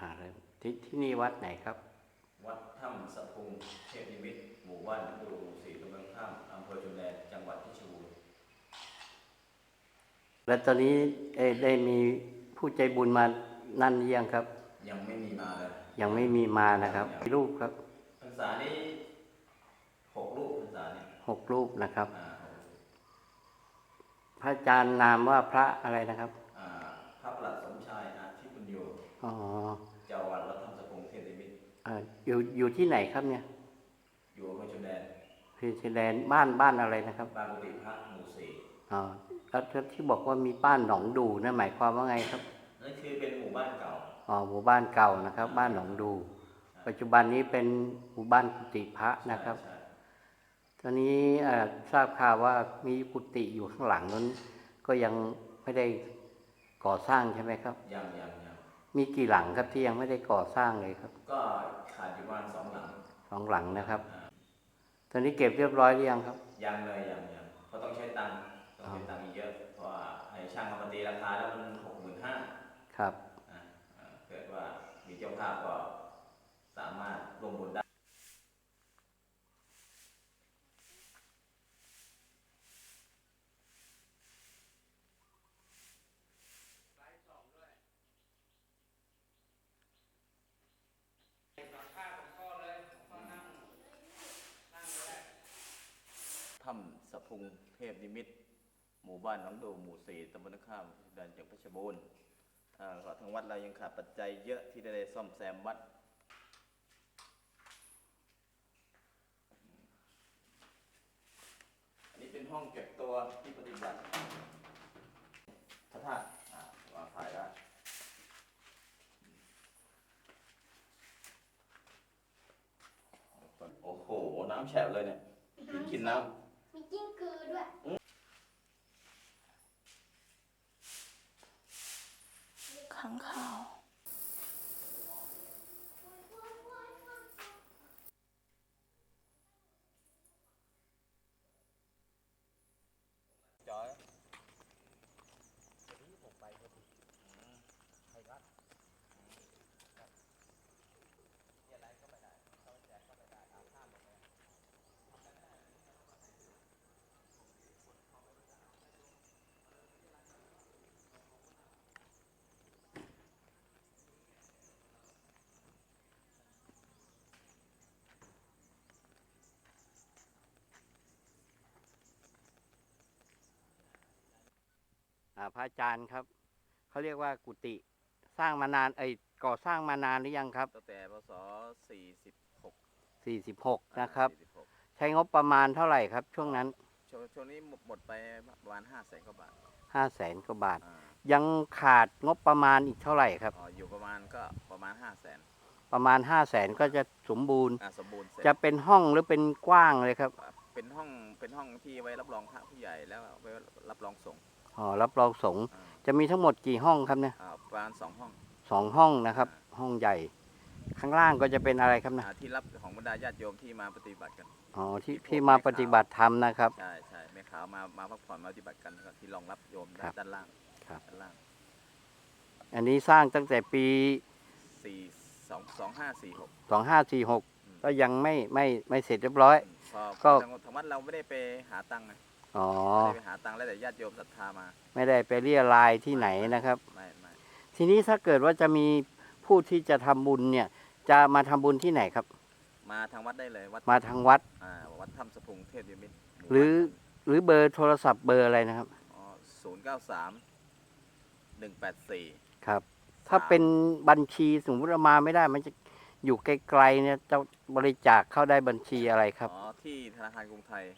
เริ่มที่นี่วัดไหนครับวัดถ้ำสะพุงเทพนิมิตรหมู่บ้านดูหมู่4ตำบลข้ามอำเภอชลแดนจังหวัดเพชรบูรณ์แล้วตอนนี้ได้มีผู้ใจบุญมานั่นหรือยังครับยังไม่มีมาเลยยังไม่มีมานะครับกี่รูปครับพรรษานี้6 รูปพรรษานี้ 6 รูปนะครับพระอาจารย์นามว่าพระอะไรนะครับพระประหลัดสมชายอาทิปุญโญเจ้าวัดวัดถ้ำสะพุงเทพนิมิตรอยู่ที่ไหนครับเนี่ยอยู่อำเภอชลแดนชลแดนบ้านอะไรนะครับบ้านกุฏิพระหมู่4 แล้วที่บอกว่ามีบ้านหนองดูนั่นหมายความว่าไงครับนั่นคือเป็นหมู่บ้านเก่าหมู่บ้านเก่านะครับบ้านหนองดูปัจจุบันนี้เป็นหมู่บ้านกุฏิพระนะครับตอนนี้ทราบข่าวว่ามีกุฏิอยู่ข้างหลังนั้นก็ยังไม่ได้ก่อสร้างใช่ไหมครับยังมีกี่หลังครับที่ยังไม่ได้ก่อสร้างเลยครับก็ขาดอยู่ประมาณ2 หลัง 2 หลังนะครับตอนนี้เก็บเรียบร้อยหรือยังครับยังเลยเพราะต้องใช้ตังค์อีกเยอะเพราะว่าให้ช่างมาตีราคาแล้วมัน65,000 ครับเกิดว่ามีเจ้าภาพก็สามารถลงทุนได้ถ้ำสะพุงเทพนิมิตรหมู่บ้านหนองดูหมู่4ตำบลข้ามแดนจังหวัดเพชรบูรณ์ทางวัดเรายังขาดปัจจัยเยอะที่ได้ซ่อมแซมวัดอันนี้เป็นห้องเก็บตัวที่ปฏิบัติพระธาตุวางถ่ายได้โอ้โหน้ำแฉะเลยเนี่ยกินน้ำมีกิ้งกือด้วยขังข่าวจอยพระอาจารย์ครับเขาเรียกว่ากุฏิสร้างมานานก่อสร้างมานานหรือยังครับตั้งแต่พศ 46นะครับใช้งบประมาณเท่าไหร่ครับช่วงนั้นช่วงนี้หมดไปประมาณ500,000 กว่าบาท 500,000 กว่าบาทยังขาดงบประมาณอีกเท่าไหร่ครับอยู่ประมาณ500,000 ประมาณ500,000ก็จะสมบูรณ์จะเป็นห้องหรือเป็นกว้างเลยครับเป็นห้องที่ไว้รับรองพระผู้ใหญ่แล้วไว้รับรองสงฆ์รับรองสงฆ์จะมีทั้งหมดกี่ห้องครับเนี่ยประมาณ2 ห้อง 2 ห้องนะครับห้องใหญ่ข้างล่างก็จะเป็นอะไรครับนะที่รับของบรรดาญาติโยมที่มาปฏิบัติกันที่มาปฏิบัติธรรมนะครับใช่แม่ขาวมาพักผ่อนมาปฏิบัติกันที่รองรับโยมด้านล่างอันนี้สร้างตั้งแต่ปี 2546 ก็ยังไม่เสร็จเรียบร้อยก็ทางวัดเราไม่ได้ไปหาตังค์ไม่ได้ไปหาตังค์แล้วแต่ญาติโยมศรัทธามาไม่ได้ไปเรียรายที่ไหนนะครับไม่ทีนี้ถ้าเกิดว่าจะมีผู้ที่จะทำบุญเนี่ยจะมาทำบุญที่ไหนครับมาทางวัดได้เลยมาทางวัดวัดถ้ำสะพุงเทพนิมิตรหรือเบอร์โทรศัพท์เบอร์อะไรนะครับ 093-184 ครับถ้าเป็นบัญชีสมมติมาไม่ได้มันจะอยู่ไกลๆเนี่ยจะบริจาคเข้าได้บัญชีอะไรครับที่ธนาคารกรุงไทย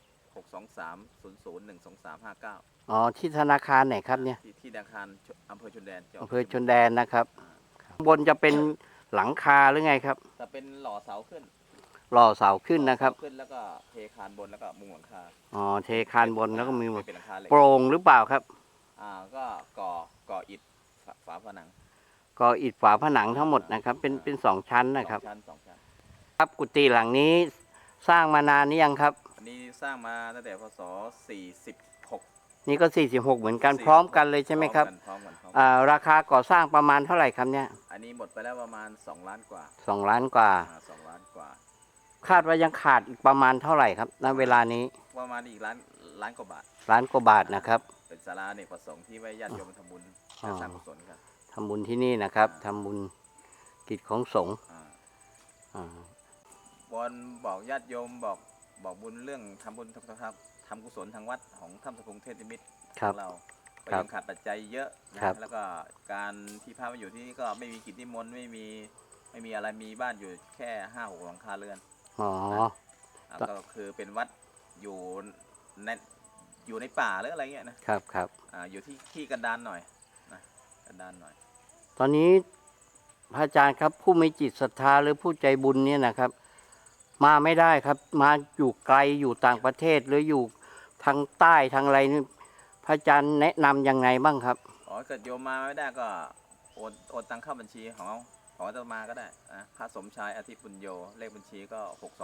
623-00-12359 ที่ธนาคารไหนครับเนี่ยที่ธนาคารอำเภอชลแดนนะครับข้างบนจะเป็นหลังคาหรือไงครับจะเป็นหล่อเสาขึ้นนะครับขึ้นแล้วก็เทคานบนแล้วก็มุงหลังคาเทคานบนแล้วก็มีโปร่งหรือเปล่าครับก็ก่ออิฐฝาผนังทั้งหมดนะครับเป็น2 ชั้นนะครับ 2 ชั้นครับกุฏิหลังนี้สร้างมานานนี้ยังครับอันนี้สร้างมาตั้งแต่พศ46 นี่ก็46เหมือนกันพร้อมกันเลยใช่ไหมครับพร้อมกันราคาก่อสร้างประมาณเท่าไหร่ครับเนี่ยอันนี้หมดไปแล้วประมาณ2 ล้านกว่า 2 ล้านกว่า 2 ล้านกว่าคาดว่ายังขาดอีกประมาณเท่าไหร่ครับณเวลานี้ประมาณอีกล้านกว่าบาทล้านกว่าบาทนะครับเป็นศาลาอเนกประสงค์ที่ไว้ญาติโยมทำบุญอ๋อและสร้างกุศลกันทำบุญที่นี่นะครับทำบุญกิจของสงฆ์อ่าอ่าวอนบอกญาติโยมบอกบุญเรื่องทำบุญทำกุศลทางวัดของถ้ำสะพุงเทพนิมิตรครับของเราก็ครับยังขาดปัจจัยเยอะนะครับ แล้วก็การที่พระมาอยู่ที่นี่ก็ไม่มีกิจนิมนต์ไม่มีอะไรมีบ้านอยู่แค่5-6 หลังคาเรือนอ๋อก็คือเป็นวัดอยู่ในป่าหรืออะไรเงี้ยนะครับครับอยู่ที่กันดานหน่อยนะกันดานหน่อยตอนนี้พระอาจารย์ครับผู้มีจิตศรัทธาหรือผู้ใจบุญเนี่ยนะครับ มาไม่ได้ครับ มาอยู่ไกลอยู่ต่างประเทศหรืออยู่ทางใต้ทางอะไรนี่พระอาจารย์แนะนำยังไงบ้างครับเกิดโยมมาไม่ได้ก็โอนตังเข้าบัญชีของอาตมาก็ได้นะพระสมชายอาทิปุญโยเลขบัญชีก็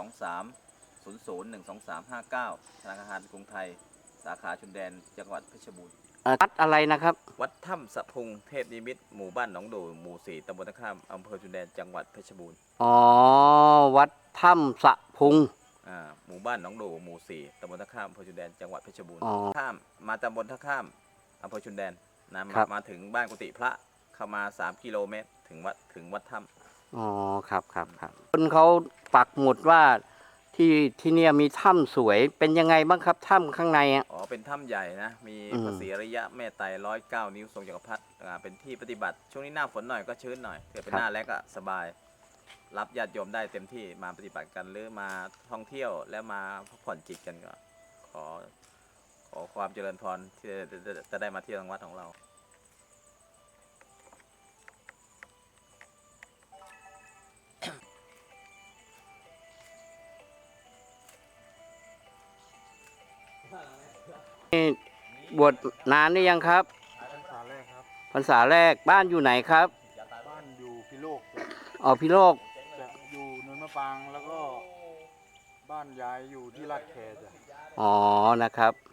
623001235 ธนาคารกรุงไทยสาขาชุนแดนจังหวัดเพชรบูรณ์วัดอะไรนะครับวัดถ้ำสะพุงเทพนิมิตรหมู่บ้านหนองดูหมู่ 4 ตำบลท่าข้ามอำเภอชุนแดนจังหวัดเพชรบูรณ์อ๋อ วัดถ้ำสะพุงหมู่บ้านหนองดูหมู่ 4 ตำบลท่าข้ามอำเภอชุนแดนจังหวัดเพชรบูรณ์อ๋อข้ามมาตำบลท่าข้ามอำเภอชุนแดนนะครับมาถึงบ้านกุฏิพระเข้ามา3 กิโลเมตรถึงวัดถ้ำอ๋อครับคนเขาปักหมุดว่าที่เนี่ยมีถ้ำสวยเป็นยังไงบ้างครับถ้ำข้างในอ่ะเป็นถ้ำใหญ่นะ มีอืมพระศรีอริยะแม่ไตร109 นิ้วทรงจักรพรรดิเป็นที่ปฏิบัติ ช่วงนี้หน้าฝนหน่อยก็ชื้นหน่อยเกิดเป็นหน้าแล้งก็สบาย รับญาติโยมได้เต็มที่มาปฏิบัติกันหรือมาท่องเที่ยวแล้วมาพักผ่อนจิตกันก็ขอความเจริญพรที่จะได้มาเที่ยวทางวัดของเรานี่บวชนานหรือยังครับพรรษาแรกครับพรรษาแรกบ้านอยู่ไหนครับบ้านอยู่พิโลกอ๋อพิโลกจะอยู่เนินมะปรางแล้วก็บ้านยายอยู่ที่ลาดแคจ้ะอ๋อนะครับ